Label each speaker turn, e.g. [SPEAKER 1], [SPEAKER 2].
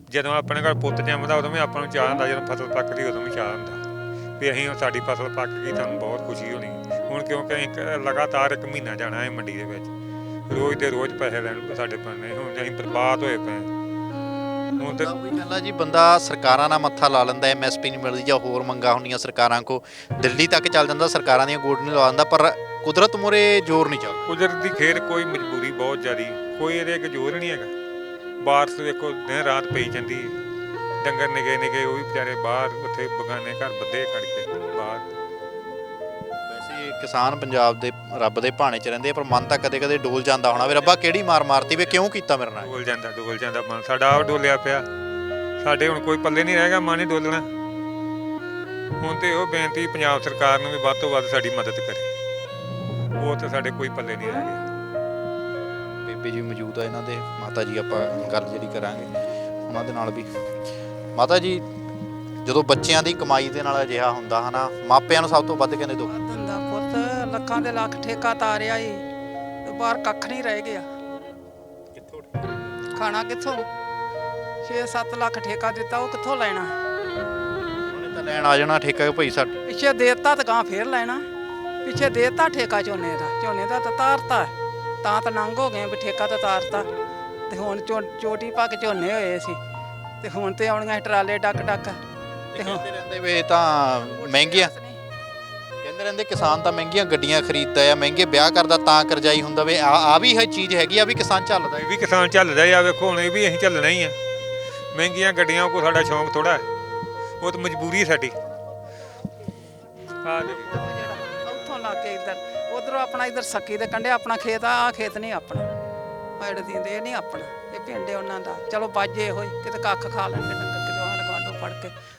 [SPEAKER 1] ਜਦੋਂ ਆਪਣੇ ਘਰ ਪੁੱਤ ਜੰਮਦਾ ਉਦੋਂ ਵੀ ਆਪਾਂ ਨੂੰ ਚਾਅ ਹੁੰਦਾ, ਜਦੋਂ ਫਸਲ ਪੱਕਦੀ ਉਦੋਂ ਵੀ ਚਾਅ ਹੁੰਦਾ ਵੀ ਅਸੀਂ ਸਾਡੀ ਫਸਲ ਪੱਕ ਗਈ, ਤੁਹਾਨੂੰ ਬਹੁਤ ਖੁਸ਼ੀ ਹੋਣੀ। ਹੁਣ ਕਿਉਂਕਿ ਅਸੀਂ ਲਗਾਤਾਰ 1 ਮਹੀਨਾ ਜਾਣਾ ਹੈ ਮੰਡੀ ਦੇ ਵਿੱਚ, ਰੋਜ਼ ਦੇ ਰੋਜ਼ ਪੈਸੇ ਲੈਣ ਸਾਡੇ ਪੈਣੇ, ਹੁਣ ਅਸੀਂ ਬਰਬਾਦ ਹੋਏ ਪਏ ਹੁਣ ਤੇ
[SPEAKER 2] ਉਹੀ ਗੱਲ ਆ ਜੀ, ਬੰਦਾ ਸਰਕਾਰਾਂ ਨਾਲ ਮੱਥਾ ਲਾ ਲੈਂਦਾ, MSP ਨਹੀਂ ਮਿਲਦੀ ਜਾਂ ਹੋਰ ਮੰਗਾਂ ਹੁੰਦੀਆਂ ਸਰਕਾਰਾਂ ਕੋ, ਦਿੱਲੀ ਤੱਕ ਚੱਲ ਜਾਂਦਾ, ਸਰਕਾਰਾਂ ਦੀਆਂ ਗੋਡ ਨਹੀਂ ਲਵਾ ਦਿੰਦਾ, ਪਰ ਕੁਦਰਤ ਮੂਹਰੇ ਜ਼ੋਰ ਨਹੀਂ ਚੱਲਦਾ।
[SPEAKER 1] ਕੁਦਰਤ ਦੀ ਖੇਡ, ਕੋਈ ਮਜਬੂਰੀ ਬਹੁਤ ਜ਼ਿਆਦੀ, ਕੋਈ ਇਹਦੇ ਅੱਗੇ ਜ਼ੋਰ ਨਹੀਂ ਹੈਗਾ। ਬਾਰਿਸ਼ ਦੇਖੋ ਦਿਨ ਰਾਤ ਪਈ ਜਾਂਦੀ ਹੈ, ਡੰਗਰ ਨਿੱਕੇ ਨਿੱਕੇ ਉਹ ਵੀ ਵਿਚਾਰੇ ਬਾਹਰ ਉੱਥੇ ਬਗਾਨੇ ਘਰ ਬੱਧੇ ਖੜ ਕੇ ਬਾਹਰ।
[SPEAKER 2] ਵੈਸੇ ਕਿਸਾਨ ਪੰਜਾਬ ਦੇ ਰੱਬ ਦੇ ਭਾਣੇ 'ਚ ਰਹਿੰਦੇ ਆ, ਪਰ ਮਨ ਤਾਂ ਕਦੇ ਕਦੇ ਡੋਲ ਜਾਂਦਾ ਹੋਣਾ ਵੀ ਰੱਬਾ ਕਿਹੜੀ ਮਾਰ ਮਾਰਤੀ ਵੇ, ਕਿਉਂ ਕੀਤਾ ਮੇਰੇ ਨਾਲ।
[SPEAKER 1] ਡੋਲ ਜਾਂਦਾ ਮਨ ਸਾਡਾ, ਆਪ ਡੋਲਿਆ ਪਿਆ ਸਾਡੇ, ਹੁਣ ਕੋਈ ਪੱਲੇ ਨਹੀਂ ਰਹਿ ਗਿਆ, ਮਨ ਹੀ ਡੋਲਣਾ। ਹੁਣ ਤੇ ਉਹ ਬੇਨਤੀ ਪੰਜਾਬ ਸਰਕਾਰ ਨੂੰ ਵੀ ਵੱਧ ਤੋਂ ਵੱਧ ਸਾਡੀ ਮਦਦ ਕਰੇ, ਉਹ ਤਾਂ ਸਾਡੇ ਕੋਈ ਪੱਲੇ ਨਹੀਂ ਰਹਿ ਗਏ।
[SPEAKER 2] ਬੇਬੇ ਜੀ ਮੌਜੂਦ ਆ ਇਹਨਾਂ ਦੇ, ਮਾਤਾ ਜੀ ਆਪਾਂ ਗੱਲ ਜਿਹੜੀ ਕਰਾਂਗੇ ਉਹਨਾਂ ਦੇ ਨਾਲ ਵੀ। ਮਾਤਾ ਜੀ, ਜਦੋਂ ਬੱਚਿਆਂ ਦੀ ਕਮਾਈ ਦੇ ਨਾਲ ਅਜਿਹਾ ਹੁੰਦਾ ਹਨਾ, ਮਾਪਿਆਂ ਨੂੰ ਸਭ ਤੋਂ ਵੱਧ ਕਹਿੰਦੇ ਦੁੱਖ
[SPEAKER 3] ਹੁੰਦਾ ਪੁੱਤ, ਲੱਖਾਂ ਦੇ ਲੱਖ ਠੇਕਾ ਤਾਰਿਆ ਏ ਤੇ ਬਾਹਰ ਕੱਖ ਨਹੀਂ ਰਹਿ ਗਿਆ,
[SPEAKER 2] ਕਿੱਥੋਂ
[SPEAKER 3] ਖਾਣਾ ਕਿੱਥੋਂ? 6-7 ਲੱਖ ਠੇਕਾ ਦਿੱਤਾ, ਉਹ ਕਿੱਥੋਂ ਲੈਣਾ?
[SPEAKER 2] ਉਹਨੇ ਤਾਂ ਲੈਣ ਆ ਜਾਣਾ ਠੇਕਾ ਭਾਈ ਸਾਡੇ।
[SPEAKER 3] ਪਿੱਛੇ ਦੇਤਾ ਤਾਂ ਗਾਂ ਫੇਰ ਲੈਣਾ, ਪਿੱਛੇ ਦੇਤਾ ਠੇਕਾ ਝੋਨੇ ਦਾ ਤਾਂ ਤਾਰਤਾ, ਤਾਂ ਨੰਗ ਹੋ ਗਏ ਵੀ ਠੇਕਾ ਤਾਂ ਤਾਰਤਾ, ਤੇ ਹੁਣ ਚੋਟੀ ਪਾ ਕੇ ਝੋਨੇ ਹੋਏ ਸੀ, ਤੇ ਹੁਣ ਤੇ ਆਉਣੀਆਂ ਟਰਾਲੇ ਡੱਕ ਤੇ ਹੁਣ
[SPEAKER 2] ਕਹਿੰਦੇ ਰਹਿੰਦੇ ਵੀ ਇਹ ਤਾਂ ਮਹਿੰਗੀਆਂ, ਕਹਿੰਦੇ ਰਹਿੰਦੇ ਕਿਸਾਨ ਤਾਂ ਮਹਿੰਗੀਆਂ ਗੱਡੀਆਂ ਖਰੀਦਦਾ ਆ, ਮਹਿੰਗੇ ਵਿਆਹ ਕਰਦਾ ਤਾਂ ਕਰਜ਼ਾਈ ਹੁੰਦਾ ਵੇ, ਆ ਵੀ ਇਹ ਚੀਜ਼ ਹੈਗੀ ਆ ਵੀ ਕਿਸਾਨ ਚੱਲਦਾ।
[SPEAKER 1] ਇਹ ਵੀ ਕਿਸਾਨ ਚੱਲਦਾ ਆ, ਵੇਖੋ ਹੁਣ ਇਹ ਵੀ ਅਸੀਂ ਚੱਲਣਾ ਹੀ ਆ। ਮਹਿੰਗੀਆਂ ਗੱਡੀਆਂ ਕੋਈ ਸਾਡਾ ਸ਼ੌਂਕ ਥੋੜਾ, ਉਹ ਤਾਂ ਮਜਬੂਰੀ ਸਾਡੀ।
[SPEAKER 3] ਉੱਥੋਂ ਲਾ ਕੇ ਇੱਧਰ ਉਧਰੋਂ ਆਪਣਾ ਇੱਧਰ ਸੱਕੀ ਦੇ ਕੰਢੇ ਆਪਣਾ ਖੇਤ ਆ ਖੇਤ ਨਹੀਂ ਆਪਣਾ, ਪੈੜ ਦਿੰਦੇ ਇਹ ਨਹੀਂ ਆਪਣਾ, ਇਹ ਪਿੰਡ ਉਹਨਾਂ ਦਾ। ਚਲੋ ਬਾਜੇ ਹੋਏ ਕਿਤੇ ਕੱਖ ਖਾ ਲੈਣਗੇ ਡੰਗਰ, ਕਿਤੇ ਆਂਢ ਗੁਆਂਢੋਂ ਫੜ ਕੇ,